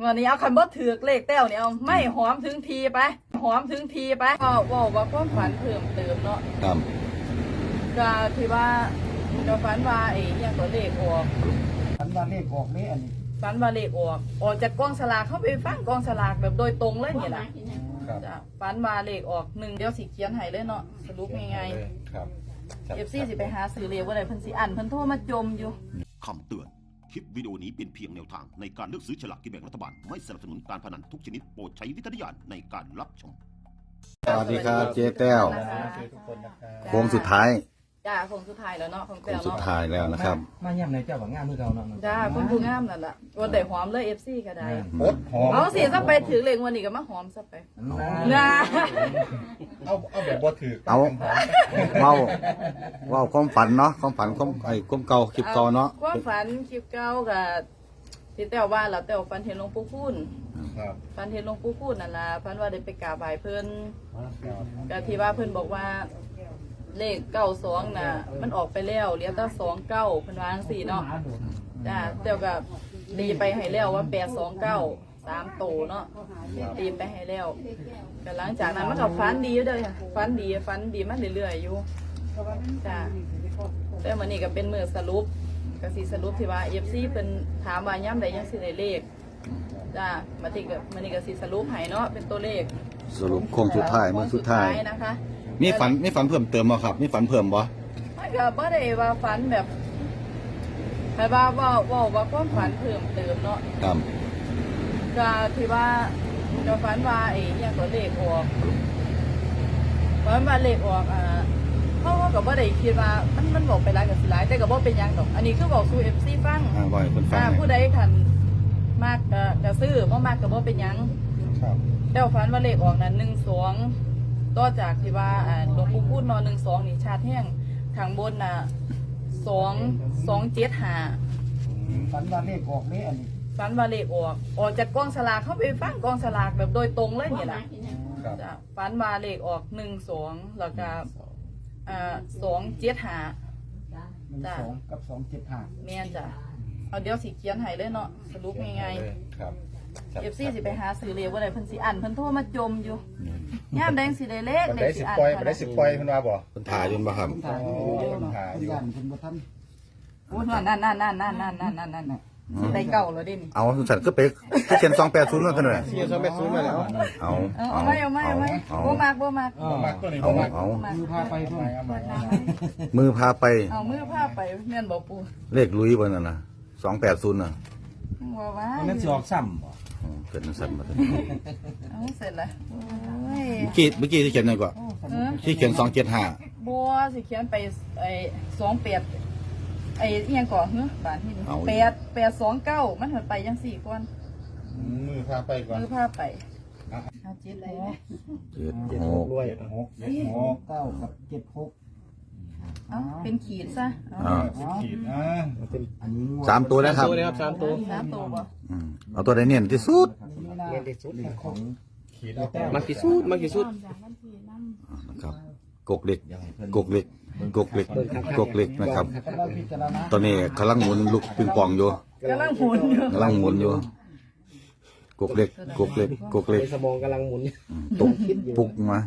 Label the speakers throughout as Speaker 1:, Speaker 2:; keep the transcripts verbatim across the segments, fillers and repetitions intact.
Speaker 1: วันนี้เอาคันบ่ถือเลขแต้วเนี่ยเอาไม่หอมถึงทีไปหอมถึงทีไปก็บอกว่าความฝันเพิ่มเติมเนาะ
Speaker 2: ครับ
Speaker 1: ก็ที่ว่าก็ฝันว่าไอ้ยังตัวเลขออก
Speaker 3: ฝันว่าเลขออกนี่อันนี้
Speaker 1: ฝันว่าเลขออกออกจากกองสลากเข้าไปฟังกองสลากแบบโดยตรงเลยเนี่ยนะจ้ะฝันว่าเลขออกหนึ่งเดี๋ยวสิเขียนให้เลยเนาะสรุปง่าย
Speaker 2: ๆครับ
Speaker 1: เอฟซีสิไปหาซื้อเลขว่าอะไรเพิ่นสิอ่านเพิ่นโทรมาจมอยู่
Speaker 4: คำเตือนคลิปวิดีโอนี้เป็นเพียงแนวทางในการเลือกซื้อฉลากกินแบ่งรัฐบาลไม่สนับสนุนการพนันทุกชนิดโปรดใช้วิจารณญาณในการรับชม
Speaker 2: สวัสดีครับเจ๊แต้วโค้งสุดท้าย
Speaker 1: จ้าโค้งสุดท้ายแล้วเนาะของแต้ว
Speaker 2: เนาะสุดท้ายแล้วนะครับ
Speaker 3: มาย่ำในเจ้าว่างามมือเก่าเนาะ
Speaker 1: จ้าคนผู้งามนั่นแหละวันได้หอมเลยเอฟซีก็ได้
Speaker 2: หอม
Speaker 1: เอาสิซะไปถือเลขวันนี้ก็มาหอมซะไปนะ
Speaker 2: เอาเอาแบบบ่ถือเอาเว้าเว้าความฝันเนาะความฝันความไอ้ความเก่าคลิปเก่าเนาะ
Speaker 1: ความฝันคลิปเก่ากับที่แต้วว่าแล้วแต้วฝันเห็นหลวงปู่คูณฝันเห็นหลวงปู่คูณนั่นล่ะฝันว่าได้ไปกราบไหว้เพิ่นก็ที่ว่าเพิ่นบอกว่าเลขเก้าสองน่ะมันออกไปแล้วเหลือแต่สองเก้าเพิ่นว่าจังซี่เนาะจ้าแต้วก็ตีไปให้แล้วว่าแปดสองเก้าสามโตเนาะตีไปให้แล้วก็หลังจากนั้นมันก็ฝันดีอยู่เด้อฝันดีฝันดีมาเรื่อยๆอยู่จ้าแต่มื้อนี้ก็เป็นมื้อสรุปก็สิสรุปที่ว่า เอฟ ซี เพิ่นถามว่าย่ำใดยังสิได้เลขจ้ามาติก็มื้อนี้ก็สิสรุปให้เนาะเป็นตัวเลข
Speaker 2: สรุปโค้งสุดท้ายมื้อสุดท้าย
Speaker 1: นะคะ
Speaker 2: มีฝันมีฝันเพิ่มเติมบ่ครับมีฝันเพิ่มบ่
Speaker 1: ไม่ก็บ่ได้ว่าฝันแบบให้ว่าว่าว่าว่าความฝันเพิ่มเติมเนาะ
Speaker 2: ครับ
Speaker 1: ก็ที่ว่าก็ฝันว่าไอ้ยังตัวเลขออกฝันว่าเลขออกอ่าเพราะว่าก็บ่ได้คิดว่ามันมันบอกไปหลายกับสิหลายแต่ก็บ่เป็นหยังดอกอันนี้คือบอกสู่ เอฟ ซี ฟัง
Speaker 2: อ่าบ่ให้เพิ่นฟัง
Speaker 1: ผู้ใดคันมากก็ก็ซื้อบ่มากก็บ่เป็นหยัง
Speaker 2: ครับ
Speaker 1: แต่ฝันว่าเลขออกนั้นหนึ่งสองต่อจากที่ว่าอ่าหลวงปู่พูดนอนหนึ่งสองนี่ชาติแห้งทางบนน่ะสองสองเจ็ดห้า
Speaker 3: ฝันว่าเลขออกนี่อันนี้
Speaker 1: ฝันว่าเลขออกออกจากกองสลากเข้าไปฟังกองสลากแบบโดยตรงเลยเนี่ยนะจ้ะฝันว่าเลขออกหนึ่งสองแล้วก็อ่าสองเจ็ดห้า
Speaker 3: หนึ่งสองกับสองเจ็ดห้า
Speaker 1: แม่นจ้ะเอาเดี๋ยวสิเขียนให้เลยเนาะสรุปง่าย
Speaker 2: ๆครับ
Speaker 1: เอฟซีสิไปหาซื้อเลขว่าอะไรเพิ่นสิอ่านเพิ่นโทรมาจมอยู่ย่ามแดงสิได้เลขเลขสิอ่าน
Speaker 2: ไปได้สิปล่อยเพิ่นว่าบ่เพิ่นถ่ายอยู่บ่ครับ
Speaker 3: ถ่ายอยู่ถ่ายอยู่เพิ่นบ่ทัน
Speaker 1: โอ้นั่นนั่นนั่นนั่นนั่นนั่นนั่นนั่นนั่นสิได้เก่าแล้วเด้นี่
Speaker 2: เอาสันก็ไปเขียนสองแปดศูนย์นั่นกันเลย
Speaker 3: เขียนสองแปดศูนย์มาแล้ว
Speaker 2: เอา
Speaker 1: เอาไม่เอาไม่เอาไม่บ่มากบ่มาก
Speaker 3: บ่มากตัวนี้บ่มากมือพาไปเพิ่น
Speaker 2: มือพาไป
Speaker 1: เอามือพาไปแม่นบ่ปู่
Speaker 2: เลขลุยบ่นั่นน่ะสองแปดศูนย์น่ะ
Speaker 1: ว่าว่า
Speaker 3: มันสิออกซ้ำบ่
Speaker 2: เกิดสั่นมา
Speaker 1: เอาเสร็จแล้วโอ้ย
Speaker 2: เมื่อกี้เมื่อกี้ที่เขียนหน่อยกว่าที่เขียนสองเจ็ดห้า
Speaker 1: บัวสิเขียนไปไอ้สองแปดไอ้เอียงก่อนเฮ้ยบาทที่นี่แปดแปดสองเก้ามันหันไปยังสี่ก้อน
Speaker 2: มือพาไปก่อน
Speaker 1: มือพาไปเอาเจ็ดหก
Speaker 2: เจ็ดหก
Speaker 3: ด้วยหกหกเก้ากับเจ็ดหก
Speaker 1: เอาเป็นขีดซะ
Speaker 2: ขีดอ่าสามตัวนะครับ
Speaker 3: สามตัว
Speaker 1: สามตัวบ่
Speaker 2: เอาตัวใดเนียนที่สุด
Speaker 3: เนียนที่สุดของ
Speaker 2: ขีด
Speaker 3: มากที่สุดมากที่สุด
Speaker 2: นะครับกกเล็กกกเล็กกกเล็กกกเล็กนะครับตอนนี้กำลังหมุนลูกปิงปองอยู่
Speaker 1: กำลังหมุนอยู่
Speaker 2: กำลังหมุนอยู่กกเล็กกกเล็กกกเล็ก
Speaker 3: สมองกำลังหมุน
Speaker 2: ตุกปุกมา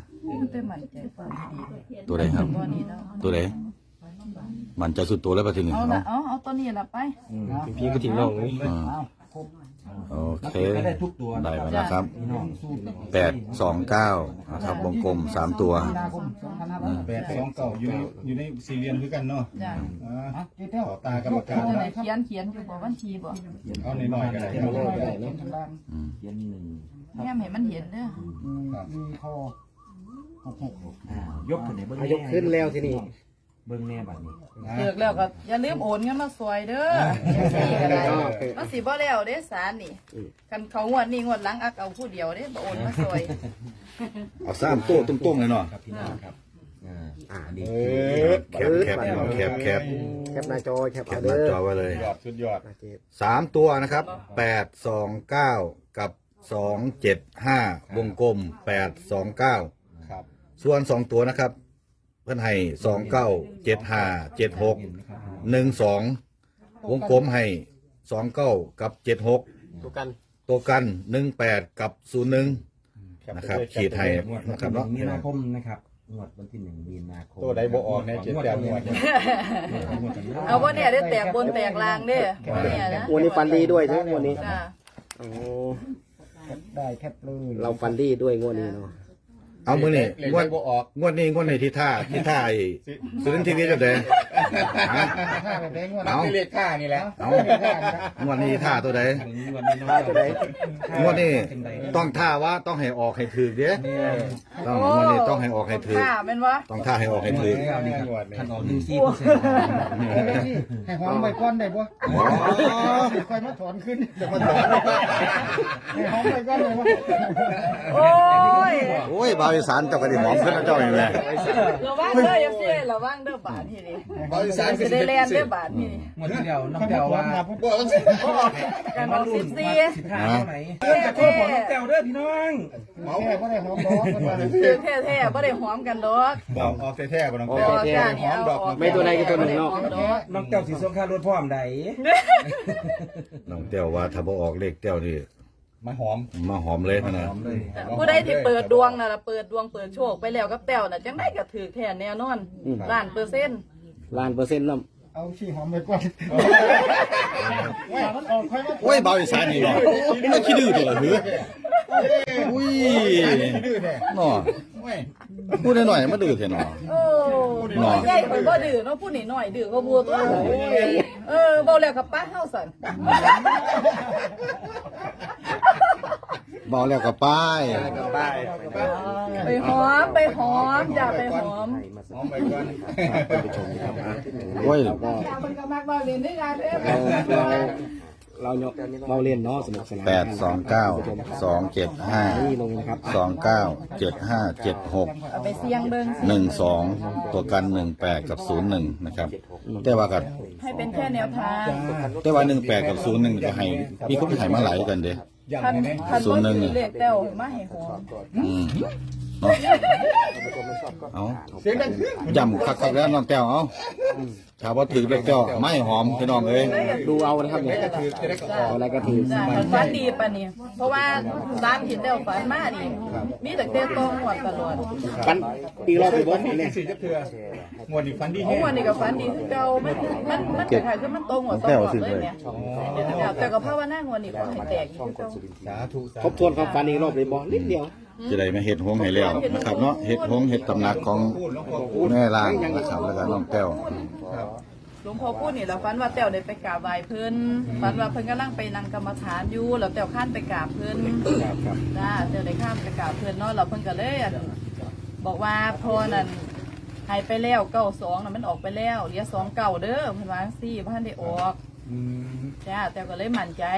Speaker 2: ตัวใดครับตัวใดมันจะสุดตัวแล้วปะทีนี้
Speaker 1: เอาละเอาเอาตัวนี้ละไป
Speaker 3: พี่ก็ทิ้งน้องนี่
Speaker 2: โอเคได้มาแล้วครับแปดสองเก้านะครับวงกลมสามตัว
Speaker 5: แปดสองเก้าอยู่อยู่ในสี่เหลี่ยมคือกันเนาะต่อตากรรมการ
Speaker 1: เขียนเขียนอยู่บ่วันทีบ่
Speaker 5: เอาหน่อยๆก็ได้
Speaker 3: เอาหน่อยๆก็ได้เนาะ
Speaker 1: เขียนหนึ่งแม่เห็นมันเห็นเด้อ
Speaker 3: มีคอหกหกยกขึ้นไหนเบิ้งยกขึ้นแล้วทีนี้เบิ้งแน่บัดนี้
Speaker 1: เลิกแล้วก็อย่าลืมโอนเงินมาซอยเด้อมันสิบ่แล้วเด้สารนี่กันเขางวดนี้งวดหลังอักเอาผู้เดียวเด้บ่โอนมาซอย
Speaker 2: เอาสามตัวตุ้มๆเลยเนาะ
Speaker 3: ครับพี่น้องครับอ่าดี
Speaker 2: แคบแคบแคบแคบ
Speaker 3: แคบหน้าจอแคบ
Speaker 2: หน้าจอไว้เลย
Speaker 5: ยอดสุดยอด
Speaker 2: สามตัวนะครับแปดสองเก้ากับสองเจ็ดห้าวงกลมแปดสองเก้า
Speaker 5: ครับ
Speaker 2: ส่วนสองตัวนะครับเพื่อนให้สองเก้าเจ็ดห้าเจ็ดหกหนึ่งสองวงกลมให้สองเก้ากับเจ็ดหก
Speaker 3: ตัวกัน
Speaker 2: ตัวกันหนึ่งแปดกับศูนย์หนึ่งนะครับขีดไทย
Speaker 3: งวด
Speaker 2: นะค
Speaker 3: วั
Speaker 2: รับ
Speaker 3: น
Speaker 2: เนาะ
Speaker 3: ที่หนึ่งมีนาคมนะครับงวดวันที่หนึ่งมีนาคม
Speaker 5: ตัวใดบ่ออกในเจ็ดแปดงวด
Speaker 1: เอาว่าเนี่ยได้แตกบนแตกลางเด้อบ่เนี่ยนะ
Speaker 6: วันนี้ฟันดีด้วยใช่ไหมวันนี้
Speaker 1: จ้า
Speaker 6: โอ้
Speaker 3: ได้แคปเลย
Speaker 6: เราฟันดีด้วยงวดนี้เนาะ
Speaker 2: เอามือนี่
Speaker 5: เลข
Speaker 2: งวด
Speaker 5: บ่ออก
Speaker 2: งวดนี้งวดไหนที่ท่าที่ท่าไอ้สุรินทร์ทีวีจะเด้เอา
Speaker 5: เลขค่านี่แหละ
Speaker 2: เอางวดนี้ท่าตัวใด
Speaker 3: งวดนี้น้องตัวใด
Speaker 2: งวดนี้ต้องท่าว่าต้องให้ออกให้ถือเด้ต้องงวดนี้ต้องให้ออกให้ถือ
Speaker 1: ค่ะแม่นวะ
Speaker 2: ต้องท่าให้ออกให้ถือ
Speaker 3: นี่ครับท่านออกหนึ่งสี่เปอร์เซ็นต์
Speaker 5: ให้หอมใบก้อนได้บ่ค่อยมาถอนขึ้นจะมาถอนให้หอมใบก้อนได้บ่
Speaker 1: โอ้ย
Speaker 2: โอ้ยบาวอีสานเจ้าก็ได้หอมขึ้นนะเจ้าอย่างไร
Speaker 1: ระวังเด้ออย่าเสียระวังเด้อบาดที่นี่
Speaker 5: บริษัท
Speaker 1: สิได้แลนเด้อบาดที่นี่
Speaker 3: งวดที่แล้วน้องแต้วว่า
Speaker 5: บ่ต้อง
Speaker 1: การออกสิบสี่
Speaker 3: สิบห้าเท่าไหร่เพื่อนจะโทษของน้องแต้วเด้อพี่น้อง
Speaker 5: หอมบ่ได้หอมดอกกันมาเลย
Speaker 1: คือแท้ๆบ่ได้หอมกันดอก
Speaker 5: ออกออกแท้ๆบ่ต้อง
Speaker 1: บ่
Speaker 5: แท้
Speaker 1: จ้านี่เอาออก
Speaker 6: ไม่ตัวใดก็ตัวหนึ่งเนาะ
Speaker 3: น้องแต้วสีส้มค่ารถพ่อมใด
Speaker 2: น้องเต้วว่าถ้าบ่ออกเลขเต้วนี่
Speaker 5: มาหอม
Speaker 2: มาหอมเลยนะนะ
Speaker 1: ผู้ใดที่เปิดดวงน่ะล่ะเปิดดวงเปิดโชคไปแล้วกับแต้วน่ะจังได๋ก็ถือแท้แน่นอนล้านเปอร์เซ็นต์
Speaker 6: ล้านเปอร์เซ็นต์แล้ว
Speaker 5: เอาขี้หอมไปก่อนว่ามันออกค่อยมา
Speaker 2: โอ้ยบาวอีสานนี่เนาะมันไม่ขี้ดื้อตัวละหืออุ้ย
Speaker 5: ดื้อแท้
Speaker 2: เนาะ
Speaker 5: โอ้ย
Speaker 2: พูดหน่อยๆมาดื้อแท้เนาะ
Speaker 1: โอ้ใหญ่ข่อยบ่ดื้อเนาะผู้นี่น้อยดื้อก็บัวตัวเออเว้าแล้วกับป้าเฮาสั่น
Speaker 2: เบาแล้วก็ป้าย
Speaker 1: ไปหอมไปหอมอย่าไปหอม
Speaker 5: หอมไปก่อน
Speaker 2: โอ้ย
Speaker 6: เราก็
Speaker 1: อย่าเพิ่นก็มักเว้าเล่นด้วยกันเด้อ
Speaker 6: เราเราเนาะเราเล่นเนาะสนุกสนาน
Speaker 2: แปดสองเก้าสองเจ็ดห้า
Speaker 6: นี่ลงนะครับ
Speaker 2: สองเก้าเจ็ดห้าเจ็ดหก
Speaker 1: เอาไปเสี่ยงเบิ่ง
Speaker 2: หนึ่งสองตัวกันหนึ่งแปดกับศูนย์หนึ่งนะครับ แต่ว่ากัน
Speaker 1: ให้เป็นแค่แนวทาง
Speaker 2: แต่ว่าหนึ่งแปดกับศูนย์หนึ่งจะให้มีคนให้มาหลายกันเด้
Speaker 5: อย่าง
Speaker 1: คัน
Speaker 5: นี้
Speaker 1: คัน
Speaker 2: ศูนย์หนึ่
Speaker 1: บ่
Speaker 2: ง
Speaker 1: ถือเลขแต้วมาให้หอม
Speaker 2: อืมเนาะเอา
Speaker 5: เสียงดังขึ้น
Speaker 2: ย่ำคักๆแล้วน้องแก้วเอาถ้าว่าถือเลขแก้วไม่หอมพี่น้องเอ้ย
Speaker 6: ดูเอานะครับเนี่ย
Speaker 5: ถือจะได้กระ
Speaker 6: เอาอะไรก็ถือ
Speaker 1: จ้ะคันฝันดีปานนี้เพราะว่าตามที่แต้วฝันมานี่มีแต่เต้ตองหวดตลอด
Speaker 6: ฟันอีกรอบไปบอส
Speaker 5: นี่
Speaker 6: เนี่ย
Speaker 5: สี่จะเถื่องวดนี้ฟันดี
Speaker 1: โอ้
Speaker 5: แห้ง
Speaker 1: วันนี้ก็ฝันดีคือเก่ามันมันมันคล้ายๆคือมันตรงหวดตลอดเลยเนี่ยแต่ก็ภาวนางวดนี้ขอให้แตกอีกคือเก่า
Speaker 5: สาธุสา
Speaker 6: ทบทวนความฟันอีกรอบเลยบอสนิดเดียว
Speaker 2: จะได้มาเห็ดหงให้แล้วนะครับเนาะเห็ดหงเห็ดตำหนักของแม่ล่างนะครับแล้วก็น้องแก้ว
Speaker 1: หลวงพ่อพูดนี่เราฝันว่าแต้วได้ไปกราบไหว้เพิ่นฝันว่าเพิ่นกำลังไปนั่งกรรมฐานอยู่แล้วแต้วข้านไปกราบเพิ่นจ้าแต้วได้ข้ามไปกราบเพิ่นเนาะเราเพิ่นก็เลยบอกว่าพอนั่นหายไปแล้วเก้าสองน่ะมันออกไปแล้วเหลือสองเก่าเด้อเพิ่นว่าจังซี่บ่ทันได้ออกจ้าแต้วก็เลยมั่นใจ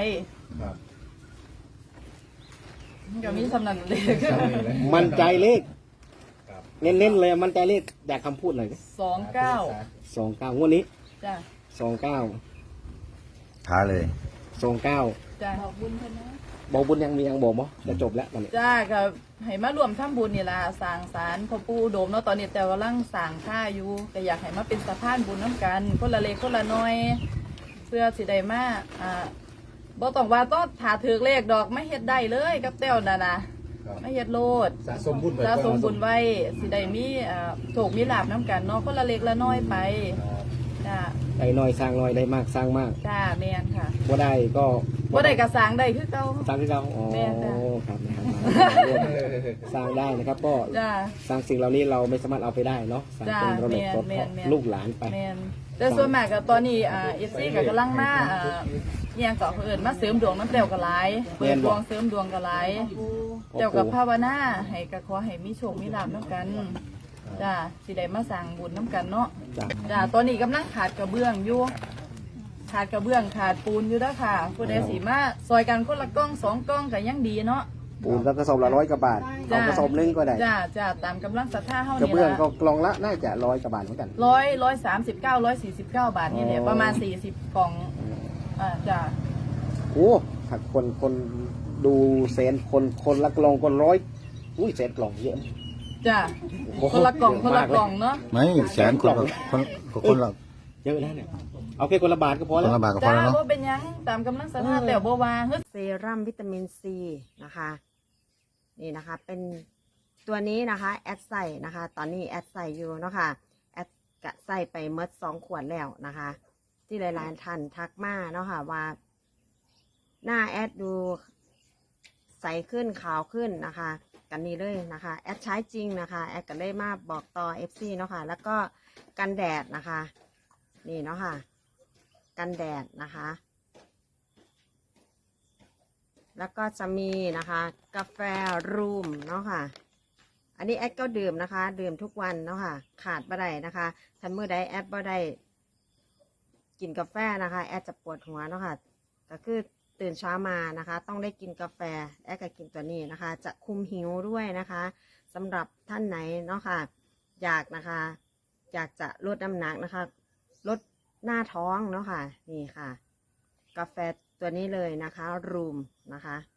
Speaker 1: มันก็มีสำนักเลข
Speaker 6: มั่นใจเลขเน้นๆเลยมั่นใจเลขอยากคำพูดหน่อย
Speaker 1: สองเก้า
Speaker 6: สองเก้างวดนี้
Speaker 1: จ้า
Speaker 6: สองเก้า
Speaker 2: ท้าเลย
Speaker 6: สองเก้า
Speaker 1: จ้าขอบคุณเพิ่นนะ
Speaker 6: บอกบุญยังมียังบอกบ่จะจบแล้วตอนนี้
Speaker 1: จ้าก็ให้มารวมทำบุญนี่ล่ะสร้างศาลพ่อปู่อุดมเนาะตอนนี้แต่กำลังสร้างค่าอยู่ก็อยากให้มาเป็นสะพานบุญน้ำกัน คนละเล็กคนละน้อย เพื่อสิได้มาอ่าบ่ต้องว่าต้องถาถือเลขดอกไม่เฮ็ดได้เลยกับแต้วน่ะนะไม่เฮ็ดโลด
Speaker 5: สะสมบุญไป
Speaker 1: สะสมบุญไว้สิได้มีอ่าโชคมีลาภน้ำกันเนาะคนละเล็กละน้อยไปจ้า
Speaker 6: ได้น้อยสร้างน้อยได้มากสร้างมาก
Speaker 1: จ้าแม่นค่ะ
Speaker 6: บ่ได้ก็
Speaker 1: บ่ได้กระสร้างได้คือเก่า
Speaker 6: สร้างที่เราอ๋อ
Speaker 1: แม่นจ้ะ
Speaker 6: ครับนะครับสร้างได้นะครับก็
Speaker 1: จ้า
Speaker 6: สร้างสิ่งเหล่านี้เราไม่สามารถเอาไปได้เนาะสร้าง
Speaker 1: จ้า
Speaker 6: เป็นระบบ
Speaker 1: แม่น
Speaker 6: รถ
Speaker 1: แม่นแม่น
Speaker 6: ลูกหลานไป
Speaker 1: แม่นแต่ส่วนมากก็ตอนนี้อ่าเอฟซีก็กำลังมาอ่าเอียงก็เพิ่นมาเสริมดวงน้ำแต้วก็หลายเปิดดวงเสริมดวงก็หลายแต้วกับภาวนาให้ก็ขอให้มีโชคมีลาภนํกันจ้าสิได้มาสร้างบุญนํกันเนาะ
Speaker 6: จ้ะ
Speaker 1: จ้าตอนนี้กำลังขาดกระเบื้องอยู่ขาดกระเบื้องขาดปูนอยู่เด้อค่ะผู้ใดสิมาซอยกันคนละกล้องสองกล้องก็ยังดีเนาะ
Speaker 6: ปูนแล้วกระสอบละร้อยกว่าบาท
Speaker 1: จ้ะ
Speaker 6: เอากระสอบหนึงก็ได้
Speaker 1: จ้าจ้าตามกำลังศรัทธาเฮาก
Speaker 6: ระ
Speaker 1: นี่
Speaker 6: เบื้อง
Speaker 1: ล่ะ
Speaker 6: ก็กล่องละน่าจะร้อยกว่าบาทเหมือนกัน
Speaker 1: ร้อยร้อยสามสิบเก้าร้อยสี่สิบเก้าบาทนี่แหละประมาณสี่สิบกล่องอ่าจ้า
Speaker 6: โอ้ถ้าคนคนดูแสนคนคนละกล่องคนร้อยอุ้ยแสนกล่องเยอะ
Speaker 1: จ้า
Speaker 6: โอ้โห
Speaker 1: คนละกล่องคนละ
Speaker 6: เยอะมากเลย
Speaker 1: กล่องเนาะ
Speaker 2: ไม่แสนคนละคนคนละ
Speaker 6: เยอะแล้วเนี่ย เเอาแค่คนละบาทก็พอ
Speaker 2: ค
Speaker 6: แล้
Speaker 2: น
Speaker 6: ว
Speaker 2: ละบาทก็พอ
Speaker 1: จ้า
Speaker 2: แล้วเนาะ
Speaker 1: บ่เป็นหยังตามกำลังศรัทธาแต่บ่ว่าเฮ้ย
Speaker 7: เซรั่มวิตามินซีนะคะนี่นะคะเป็นตัวนี้นะคะแอดใส่นะคะตอนนี้แอดใส่อยู่เนาะค่ะแอดกะใส่ไปเมดสองขวดแล้วนะคะ ที่หลายๆท่านทักมาเนาะค่ะว่าหน้าแอดดูใสขึ้นขาวขึ้นนะคะกันนี้เลยนะคะแอดใช้จริงนะคะแอดก็เลยมาบอกต่อ เอฟ ซี เนาะค่ะแล้วก็กันแดดนะคะนี่เนาะค่ะกันแดดนะคะแล้วก็จะมีนะคะกาแฟรูมเนาะค่ะอันนี้แอดก็ดื่มนะคะดื่มทุกวันเนาะค่ะขาดบ่ได้นะคะถ้าเมื่อใดแอดบ่ได้กินกาแฟนะคะแอดจะปวดหัวเนาะค่ะก็คือตื่นเช้ามานะคะต้องได้กินกาแฟแอดก็กินตัวนี้นะคะจะคุมหิวด้วยนะคะสำหรับท่านไหนเนาะค่ะอยากนะคะอยากจะลดน้ำหนักนะคะลดหน้าท้องเนาะค่ะนี่ค่ะกาแฟตัวนี้เลยนะคะรูมนะคะ